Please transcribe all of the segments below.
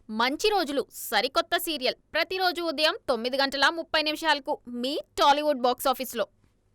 మంచి రోజులు సరికొత్త సీరియల్ ప్రతిరోజు ఉదయం 9:30 మీ టాలీవుడ్ బాక్స్ ఆఫీస్లో.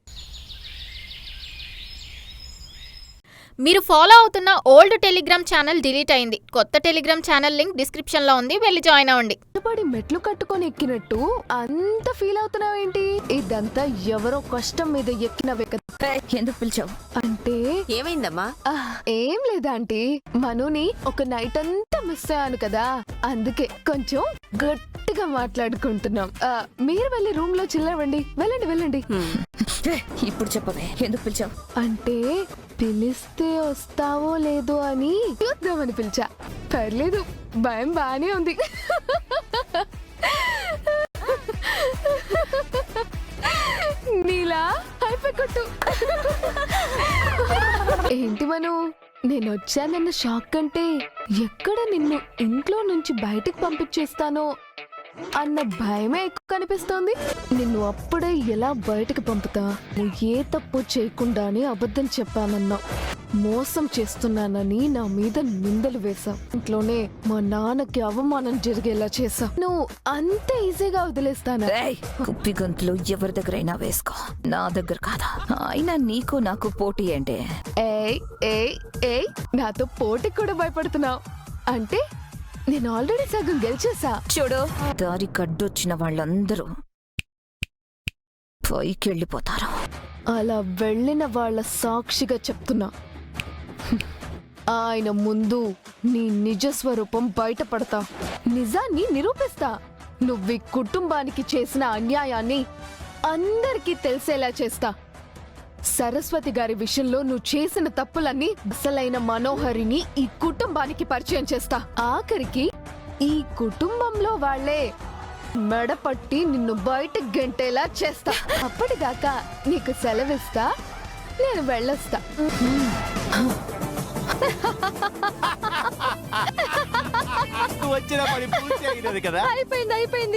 మీరు ఫాలో అవుతున్న ఓల్డ్ టెలిగ్రామ్ ఛానల్ డిలీట్ అయింది. కొత్త టెలిగ్రామ్ ఛానల్ లింక్ డిస్క్రిప్షన్ లో ఉంది, వెళ్ళి జాయిన్ అవ్వండి. మెట్లు కట్టుకొని ఎక్కినట్టు అంత ఫీల్ అవుతున్నావేంటి? ఇదంతా ఎవరో కష్టం మీద ఎక్కినవే కదా. ఎందుకు పిలిచావు? అంటే ఏమైందమ్మా? ఏం లేదా ఆంటీ, మనుని ఒక నైట్ అంతా మిస్ అయ్యాను కదా, అందుకే కొంచెం గట్టిగా మాట్లాడుకుంటున్నాం. మీరు వెళ్ళి రూమ్ లో చిల్లవండి. వెళ్ళండి వెళ్ళండి. ఇప్పుడు చెప్పవే, ఎందుకు పిలిచావు? అంటే పిలిస్తే వస్తావో లేదో అని చూద్దామని పిలిచా. పర్లేదు, భయం బానే ఉంది. నీలా అయిపోకొట్టు. ఏంటి మను, నేను వచ్చానన్న షాక్ కంటే ఎక్కడ నిన్ను ఇంట్లో నుంచి బయటకు పంపించేస్తానో అన్న భయమే ఎక్కువ కనిపిస్తోంది. నిన్ను అప్పుడే ఎలా బయటకు పంపుతా? నువ్వు ఏ తప్పు చేయకుండానే అబద్ధం చెప్పానన్నా, మోసం చేస్తున్నానని నా మీద నిందలు వేశావు. ఇంట్లోనే మా నాన్నకి అవమానం జరిగేలా చేశావు. నువ్వు అంత ఈజీగా వదిలేస్తానా? కుప్పి గొంతులు ఎవరి దగ్గరైనా వేసుకో, నా దగ్గర కాదా. అయినా నీకు నాకు పోటీ అంటే? ఏయ్ ఏయ్ ఏయ్, నాతో పోటీకి కూడా భయపడుతున్నావు అంటే? నేను ఆల్రెడీ సగం గెలిచేసా. చూడు, దారి కడ్డొచ్చిన వాళ్ళందరూ పైకి వెళ్ళిపోతారు. అలా వెళ్ళిన వాళ్ళ సాక్షిగా చెప్తున్నా, ఆయన ముందు నీ నిజ స్వరూపం బయటపడతా, నిజాన్ని నిరూపిస్తా. నువ్వు ఈ కుటుంబానికి చేసిన అన్యాయాన్ని అందరికీ తెలిసేలా చేస్తా. సరస్వతి గారి విషయంలో నువ్వు చేసిన తప్పులన్నీ అసలైన మనోహరిని ఈ కుటుంబానికి పరిచయం చేస్తా. ఆఖరికి ఈ కుటుంబంలో వాళ్లే మెడపట్టి నిన్ను బయట గెంటేలా చేస్తా. అప్పటిదాకా నీకు సెలవిస్తా, నేను వెళ్ళొస్తా. వచ్చిన పని పూర్తి అయినది కదా. అయిపోయింది అయిపోయింది.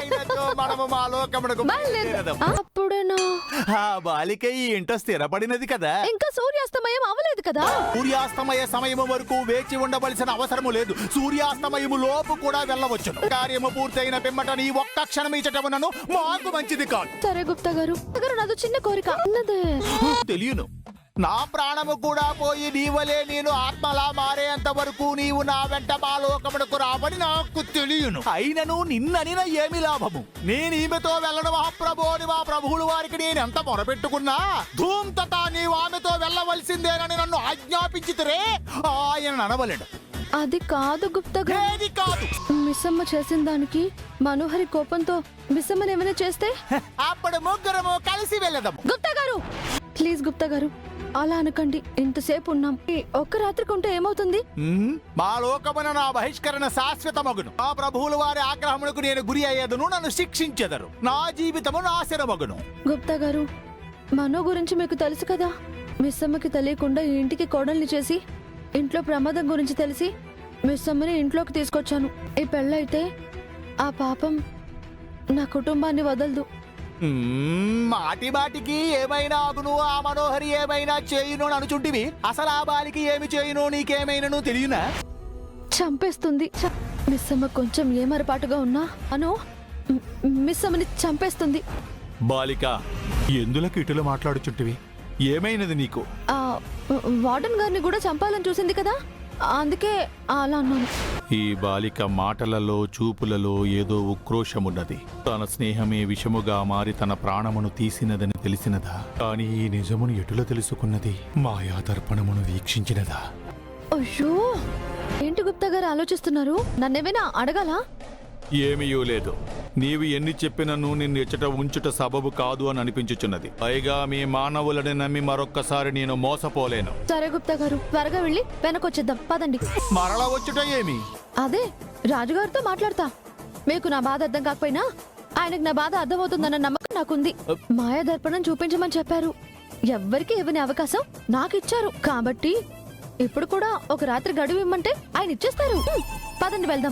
అప్పుడేనా ఆ బాలిక ఈ ఇంట స్థిరపడినది కదా. ఇంకా సూర్యాస్తమయం అవలేదు కదా. సూర్యాస్తమయ సమయము వరకు వేచి ఉండవలసిన అవసరము లేదు. సూర్యాస్తమయము లోపు కూడా వెళ్ళవచ్చును. కార్యము పూర్తయిన పిమ్మట నీ ఒక్క క్షణం ఇచ్చటమునను మాకు మంచిది కాదు. సరే గుప్తా గారు, నాదో చిన్న కోరిక ఉన్నదే. తెలియను, నా ప్రాణము కూడా పోయి నీవలే నేను ఆత్మలా మారేంత వరకు నీవు నా వెంట మా లోకమునకు రావని నాకు తెలియను. అయినను నిన్ననిన ఏమి లాభము? నేను ఈమెతో వెళ్ళడం మహాప్రభు అని మా ప్రభువులు వారికి నేను ఎంత మొరపెట్టుకున్నా ధూమ్తతా నీవు ఆమెతో వెళ్ళవలసిందేనని నన్ను ఆజ్ఞాపించితే ఆయన అనవలేడు. అది కాదు గుప్తా గారు, కాదు. మిస్సమ్మ చేసిన దానికి మనోహరి కోపంతో మిస్సమ్మని ఏమైనా చేస్తే అప్పుడు ముగ్గురము కలిసి వెళ్ళదాము. గుప్తా గారు ప్లీజ్, గుప్తా గారు అలా అనకండి. ఇంతసేపు ఉన్నాం, ఒక్క రాత్రికి ఉంటే ఏమవుతుంది? మా లోకమున నా బహిష్కరణ శాశ్వత మగును. మా ప్రభువుల వారి ఆగ్రహములకు నేను గురి అయ్యేదను, నన్ను శిక్షించెదరు. నా జీవితము నాశనమగును. గుప్తా గారు, మనో గురించి మీకు తెలుసు కదా. మిస్సమ్మకి తెలియకుండా ఈ ఇంటికి కోడల్ని చేసి ఇంట్లో ప్రమాదం గురించి తెలిసి మిస్సమ్మని ఇంట్లోకి తీసుకొచ్చాను. ఈ పెళ్ళైతే ఆ పాపం నా కుటుంబాన్ని వదలదు. మాటి మాటికి ఏమైనా అగును, ఆ మనోహరి ఏమైనా చేయును అనుచుంటివి. అసలు ఆ బాలికి ఏమి చేయును నీకేమైనా తెలియనా? చంపేస్తుంది. మిస్సమ్మ కొంచెం ఏమరపాటుగా ఉన్నా అను మిస్సమ్మని చంపేస్తుంది. బాలిక, ఎందులకు ఇటులో మాట్లాడుచుంటివి? ఏమైనది నీకు? వార్డెన్ గారిని కూడా చంపాలని చూసింది కదా, అందుకే అలా అన్నాను. ఈ బాలిక మాటలలో చూపులలో ఏదో ఉక్రోషమున్నది. తన స్నేహమే విషముగా మారి తన ప్రాణమును తీసినదని తెలిసినదా? కానీ ఈ నిజమును ఎటులో తెలుసుకున్నది? మాయా దర్పణమును వీక్షించినదా? అయ్యో, ఏంటి గుప్తా గారు ఆలోచిస్తున్నారు? నన్నేమైనా అడగాలా? ఏమీయూ లేదు. నీవు ఎన్ని చెప్పినను నిన్ను ఎచ్చట ఉంచుట సబబు కాదు అని అనిపించుచున్నది. పైగా మీ మానవులని నమ్మి మరొక్కసారి నేను మోసపోలేను. సరే గుప్తా గారు, త్వరగా వెళ్ళి వెనకొచ్చేద్దాం, పదండి. మరల వచ్చుట ఏమి? అదే రాజుగారితో మాట్లాడతా. మీకు నా బాధ అర్థం కాకపోయినా ఆయనకు నా బాధ అర్థమవుతుందన్న నమ్మకం నాకుంది. మాయా దర్పణం చూపించమని చెప్పారు. ఎవ్వరికి ఇవ్వని అవకాశం నాకు ఇచ్చారు కాబట్టి ఇప్పుడు కూడా ఒక రాత్రి గడువు ఇమ్మంటే ఆయన ఇచ్చేస్తారు. పదండి వెళ్దాం.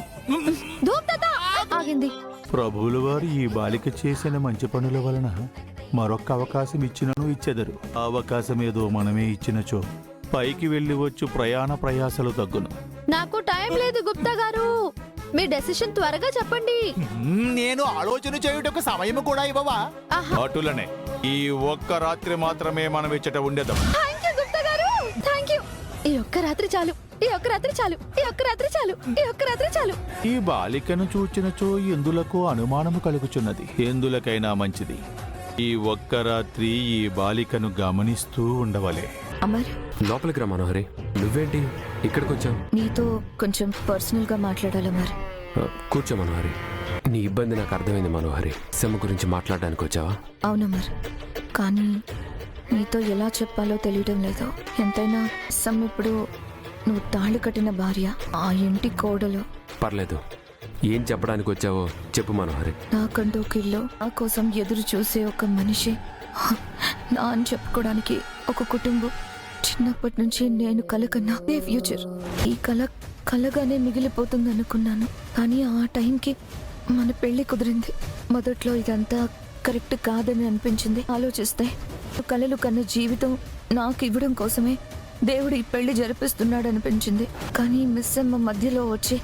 ఆగింది. ప్రభువుల వారు ఈ బాలిక చేసిన మంచి పనుల వలన మరొక్క అవకాశం ఇచ్చినను ఇచ్చెదరు. అవకాశం ఏదో మనమే ఇచ్చినచో పైకి వెళ్లి వచ్చు ప్రయాణ ప్రయాసలు తగ్గును. నాకు టైం లేదు గుప్తా గారు, మీ డెసిషన్ త్వరగా చెప్పండి. నేను ఆలోచన చేయుటకు సమయం కూడా ఇవ్వవా? అటులనే ఈ ఒక్క రాత్రి మాత్రమే మనం ఇచ్చట ఉండేదాం. థ్యాంక్ యూ గుప్తా గారు, థ్యాంక్ యూ. ఈ ఒక్క రాత్రి చాలు, ఈ ఒక్క రాత్రి చాలు, ఈ ఒక్క రాత్రి చాలు, ఈ ఒక్క రాత్రి చాలు. ఈ బాలికను చూచినచో ఎందులకు అనుమానము కలుగుచున్నది. ఎందులకైనా మంచిది ఈ ఒక్క రాత్రి ఈ బాలికను గమనిస్తూ ఉండవలే. అమర్, లోపలికి రా మనోహరి. నువ్వేంటి ఇక్కడికి వచ్చావు? నీతో కొంచెం పర్సనల్ గా మాట్లాడాలి అమర్. కూర్చో మనోహరి. నీ ఇబ్బంది నాకు అర్థమైంది మనోహరి. సెమ్మ గురించి మాట్లాడడానికి వచ్చావా? అవునమర్, కానీ నీతో ఎలా చెప్పాలో తెలియడం లేదు. ఎంతైనా సమ్ ఇప్పుడు నువ్వు తాళి కట్టిన భార్య, ఆ ఇంటి కోడలు. పర్లేదు, ఏం చెప్పడానికి వచ్చావో చెప్పు మనోహరి. నాకంటూ ఒక ఇల్లు, నా కోసం ఎదురు చూసే ఒక మనిషి, నా అని చెప్పుకోవడానికి ఒక కుటుంబం. చిన్నప్పటి నుంచి నేను కలకన్నా ఏ ఫ్యూచర్. ఈ కలగానే మిగిలిపోతుంది అనుకున్నాను, కానీ ఆ టైంకి మన పెళ్లి కుదిరింది. మొదట్లో ఇదంతా కరెక్ట్ కాదని అనిపించింది. ఆలోచిస్తే కలలు కన్న జీవితం నాకు ఇవ్వడం కోసమే దేవుడు ఈ పెళ్లి జరిపిస్తున్నాడు అనిపించింది. కానీ మిస్ అమ్మ మధ్యలో వచ్చి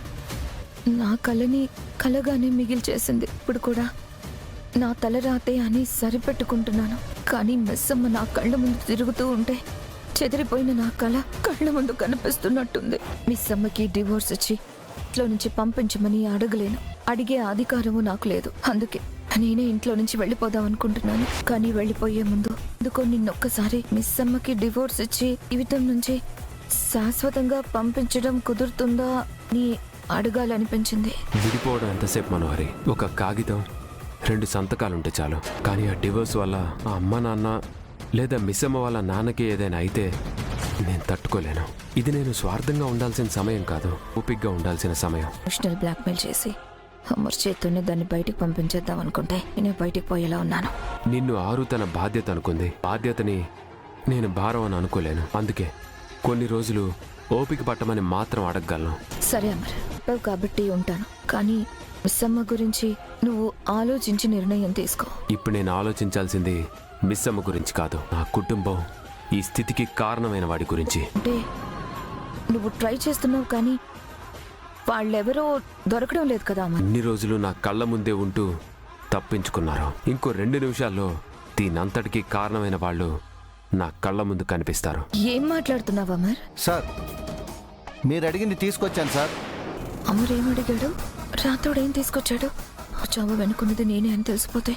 నా కలని కలగానే మిగిల్చేసింది. ఇప్పుడు కూడా నా తలరాతే అని సరిపెట్టుకుంటున్నాను, కానీ మిస్ అమ్మ నా కళ్ళ ముందు తిరుగుతూ ఉంటే చెదిరిపోయిన నా కళ కళ్ళ ముందు కనిపిస్తున్నట్టుంది. మిస్ అమ్మకి డివోర్స్ ఇచ్చి ఇంట్లో నుంచి పంపించమని అడగలేను, అడిగే అధికారము నాకు లేదు. అందుకే నేనే ఇంట్లో నుంచి వెళ్ళిపోదాం అనుకుంటున్నాను. కానీ వెళ్ళిపోయే ముందు ఎందుకో నిన్నొక్కసారి మిస్ అమ్మకి డివోర్స్ ఇచ్చి జీవితం నుంచి శాశ్వతంగా పంపించడం కుదురుతుందా అని అడగాలనిపించింది. విడిపోవడం ఎంతసేపు మనోహరి? ఒక కాగితం, 2 సంతకాలుంటే చాలు. కానీ ఆ డివోర్స్ వల్ల ఆ అమ్మ నాన్న లేదా మిస్ అమ్మ వాళ్ళ నాన్నకి ఏదైనా అయితే నేను తట్టుకోలేను. ఇది నేను స్వార్థంగా ఉండాల్సిన సమయం కాదు, ఓపిగ్గా ఉండాల్సిన సమయం. ఎమోషనల్ బ్లాక్మెయిల్ చేసి అమర్ చేతుల్ని దాన్ని బయటికి పంపించేద్దాం అనుకుంటే నేను బయటికి పోయేలా ఉన్నాను. నిన్ను ఆరు తన బాధ్యత అనుకుంది. బాధ్యతని నేను భారం అని అనుకోలేను. అందుకే కొన్ని రోజులు ఓపిక పట్టమని మాత్రం అడగగలను. సరే అమర్, చెప్పావు కాబట్టి ఉంటాను. కానీ మిస్ అమ్మ గురించి నువ్వు ఆలోచించి నిర్ణయం తీసుకో. ఇప్పుడు నేను ఆలోచించాల్సింది మిస్ అమ్మ గురించి కాదు, నా కుటుంబం ఈ స్థితికి కారణమైన వాడి గురించి. అంటే నువ్వు ట్రై చేస్తున్నావు, కానీ వాళ్ళెవరో దొరకడం లేదు కదా అమర్. ఇన్ని రోజులు నా కళ్ళ ముందే ఉంటూ తప్పించుకున్నారు. ఇంకో 2 నిమిషాల్లో దీనంతటికీ కారణమైన వాళ్ళు నా కళ్ళ ముందు కనిపిస్తారు. ఏం మాట్లాడుతున్నావు అమర్? సార్, మీరు అడిగింది తీసుకొచ్చాను సార్. అమర్ ఏం అడిగాడు? రాతోడేం తీసుకొచ్చాడు? ఆ చావు వెనుకున్నది నేనే అని తెలిసిపోతే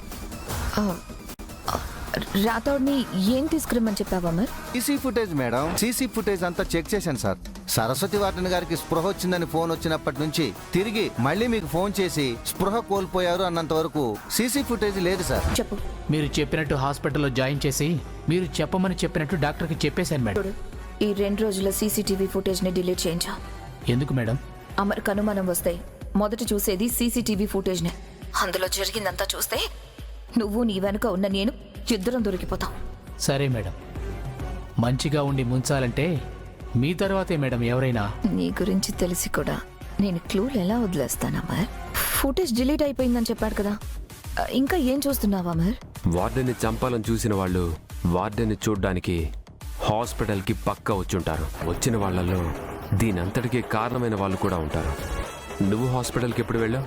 రాతోడిని ఏం తీసుకురమ్మని చెప్పావు Amar? CC footage madam, CC footage అంతా చెక్ చేశాను సార్. సరస్వతి వార్డెన్ గారికి స్పృహ వచ్చిందని ఫోన్ వచ్చినప్పటి నుంచి తిరిగి మళ్ళీ మీకు ఫోన్ చేసి స్పృహ కోల్పోయారు అన్నంత వరకు సీసీ ఫుటేజ్ లేదు సార్. చెప్పు. మీరు చెప్పినట్టు హాస్పిటల్లో జాయిన్ చేసి మీరు చెప్పమని చెప్పినట్టు డాక్టర్కి చెప్పేశాను మేడం. ఈ 2 రోజుల సీసీటీవీ ఫుటేజ్ ని డిలీట్ చేయించా. ఎందుకు మేడం? అమర్కి అనుమానం వస్తాయి. మొదట చూసేది సీసీటీవీ ఫుటేజ్నే. అందులో జరిగిందంతా చూస్తే నువ్వు నీ వెనుక ఉన్న నేను ఇద్దరం దొరికిపోతాం. సరే మేడం, మంచిగా ఉండి ముంచాలంటే మీ తర్వాతే మేడం ఎవరైనా. నీ గురించి తెలిసి కూడా నేను క్లూలు ఎలా వదిలేస్తాను అమర్? ఫుటేజ్ డిలీట్ అయిపోయిందని చెప్పాడు కదా, ఇంకా ఏం చూస్తున్నావు అమర్? వార్డెన్ని చంపాలని చూసిన వాళ్ళు వార్డెన్ని చూడ్డానికి హాస్పిటల్కి పక్కా వచ్చుంటారు. వచ్చిన వాళ్ళల్లో దీనంతటికీ కారణమైన వాళ్ళు కూడా ఉంటారు. నువ్వు హాస్పిటల్కి ఎప్పుడు వెళ్ళావు?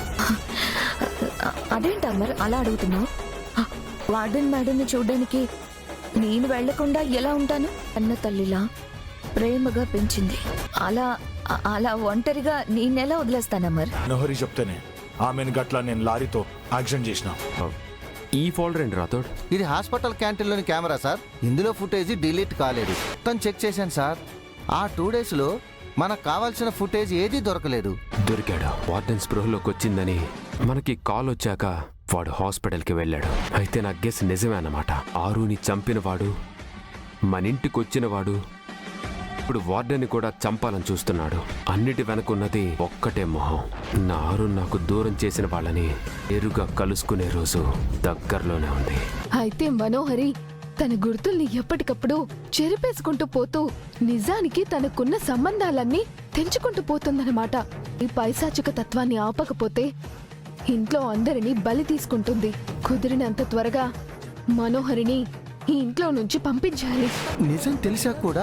అదేంటి అమర్ అలా అడుగుతున్నావు? వార్డెన్ మేడంని చూడ్డానికి నేను వెళ్లకుండా ఎలా ఉంటాను? అన్న తల్లిలా ప్రేమగా పెంచింది. అలా ఒంటరిగా నేనెలా వదిలేస్తాను అమర్? నోహరి చెప్తేనే ఆమెను గట్ల నేను లారీతో యాక్సిడెంట్ చేసిన. ఈ ఫోల్డర్ ఏంటి రాతోడ్? ఇది హాస్పిటల్ క్యాంటీన్లోని కెమెరా సార్. ఇందులో ఫుటేజ్ డిలీట్ కాలేదు. తను చెక్ చేశాను సార్. ఆ 2 డేస్లో మనకు కావాల్సిన ఫుటేజ్ ఏదీ దొరకలేదు. దొరికాడు. వార్డెన్ స్పృహలోకి వచ్చిందని మనకి కాల్ వచ్చాక వాడు హాస్పిటల్కి వెళ్ళాడు. అయితే నా గెస్ నిజమే అన్నమాట. ఆరుని చంపినవాడు, మన ఇంటికి వచ్చినవాడు ఇప్పుడు వార్డెన్ని కూడా చంపాలని చూస్తున్నాడు. అన్నిటి వెనకున్నది ఒక్కటే మొహం. నా ఆరు నాకు దూరం చేసిన వాళ్ళని ఎరుగా కలుసుకునే రోజు దగ్గరలోనే ఉంది. అయితే మనోహరి తన గుర్తుల్ని ఎప్పటికప్పుడు చెరిపేసుకుంటూ పోతూ నిజానికి తనకున్న సంబంధాలన్నీ తెంచుకుంటూ పోతుందన్నమాట. ఈ పైశాచిక తత్వాన్ని ఆపకపోతే ఇంట్లో అందరినీ బలి తీసుకుంటుంది. కుదిరినంత త్వరగా మనోహరిని ఈ ఇంట్లో నుంచి పంపించాలి. నిజం తెలిసా కూడా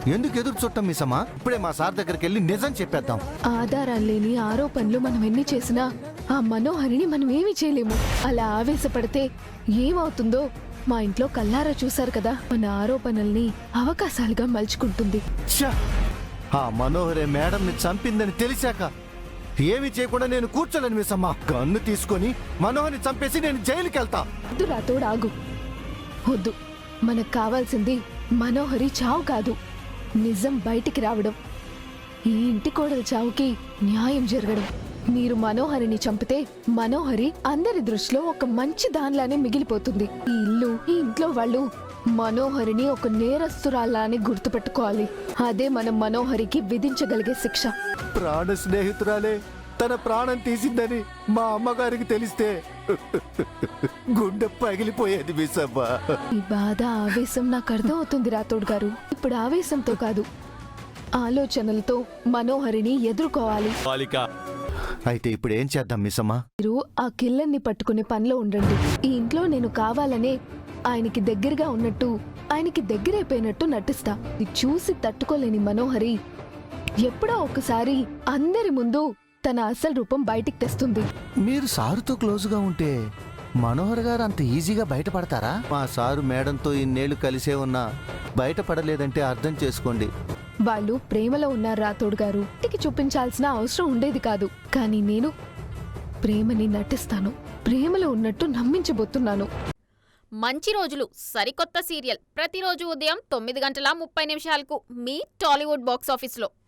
ఎందుకు ఎదురు చుట్టం మిసమ్మా? ఇప్పుడే మా సార్ దగ్గరికి వెళ్ళి నిజం చెప్పేద్దాం. ఆధారాలు లేని ఆరోపణలు మనం ఎన్ని చేసినా ఆ మనోహరిని మనం ఏమీ చేయలేము. అలా ఆవేశపడితే ఏమవుతుందో మా ఇంట్లో కల్లారా చూశారు కదా. మన ఆరోపణల్ని అవకాశాలుగా మలుచుకుంటుంది. ఛ! ఆ మనోహరే మేడంని చంపిందని తెలిసాక ఏమి చేయకుండా నేను కూర్చోలేను మిసమ్మా. గన్ను తీసుకొని మనోహర్ని చంపేసి నేను జైలుకి వెళ్తా. వద్దు రాతోడు, ఆగు. వద్దు, మనకు కావాల్సింది మనోహరి చావు కాదు, నిజం బయటికి రావడం. ఈ ఇంటి కోడల చావుకి న్యాయం జరగడం. మీరు మనోహరిని చంపితే మనోహరి అందరి దృష్టిలో ఒక మంచి దానిలానే మిగిలిపోతుంది. ఈ ఇల్లు, ఈ ఇంట్లో వాళ్ళు మనోహరిని ఒక నేరస్తురాల్లానే గుర్తుపెట్టుకోవాలి. అదే మనం మనోహరికి విధించగలిగే శిక్ష. ప్రాణ స్నేహితురాలే తన ప్రాణం తీసిందని మా అమ్మగారికి తెలిస్తే గుండె పగిలిపోయేది మిసమ్మా. ఈ బాధ, ఆవేశం నాకు అర్థం అవుతుంది రాతోడు గారు. ఇప్పుడు ఆవేశంతో కాదు, ఆలోచనలతో మనోహరిని ఎదుర్కోవాలి. అయితే ఇప్పుడు ఏం చేద్దాం మిసమ్మా? మీరు ఆ కిల్లర్ని పట్టుకునే పనిలో ఉండండి. ఈ ఇంట్లో నేను కావాలనే ఆయనకి దగ్గరగా ఉన్నట్టు, ఆయనకి దగ్గరైపోయినట్టు నటిస్తా. ఇది చూసి తట్టుకోలేని మనోహరి ఎప్పుడో ఒకసారి అందరి ముందు తన అసలు రూపం బయటికి తెస్తుంది. మీరు సారుతో క్లోజ్గా ఉంటే మనోహర్ గారు అంత ఈజీగా బయటపడతారా? మా సారు మేడంతో ఇన్నేళ్లు కలిసే ఉన్నా బయటపడలేదంటే అర్థం చేసుకోండి. వాళ్ళు ప్రేమలో ఉన్నారు రాతోడు గారు. ఇంటికి చూపించాల్సిన అవసరం ఉండేది కాదు. కానీ నేను ప్రేమని నటిస్తాను. ప్రేమలో ఉన్నట్టు నమ్మించబోతున్నాను. మంచి రోజులు సరికొత్త సీరియల్ ప్రతిరోజు ఉదయం 9:30 మీ టాలీవుడ్ బాక్స్ ఆఫీస్లో.